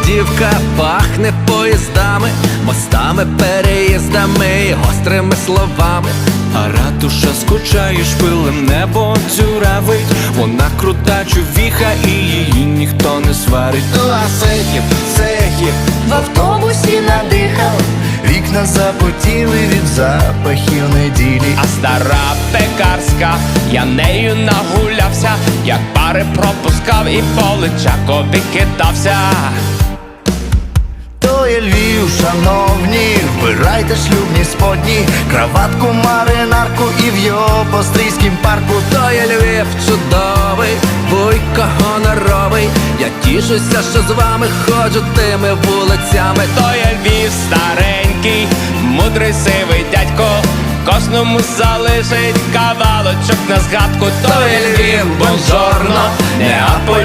Авдіївка пахне поїздами, мостами, переїздами і гострими словами. А ратуша скучає шпилем, небо дзюравить. Вона крута човіха і її ніхто не сварить. А цехів в автобусі надихав, вікна запотіли від запахів неділі. А стара пекарська, я нею нагулявся, як пари пропускав і по Личакові кидався. То є Львів, шановні, вбирайте шлюбні сподні, краватку, маринарку і в його пострійськім парку. То є Львів чудовий, вуйко гоноровий. Я тішуся, що з вами ходжу тими вулицями. То є Львів старенький, мудрий сивий дядько, кожному залишить кавалочок на згадку. То є Львів, бонжорно, Неаполь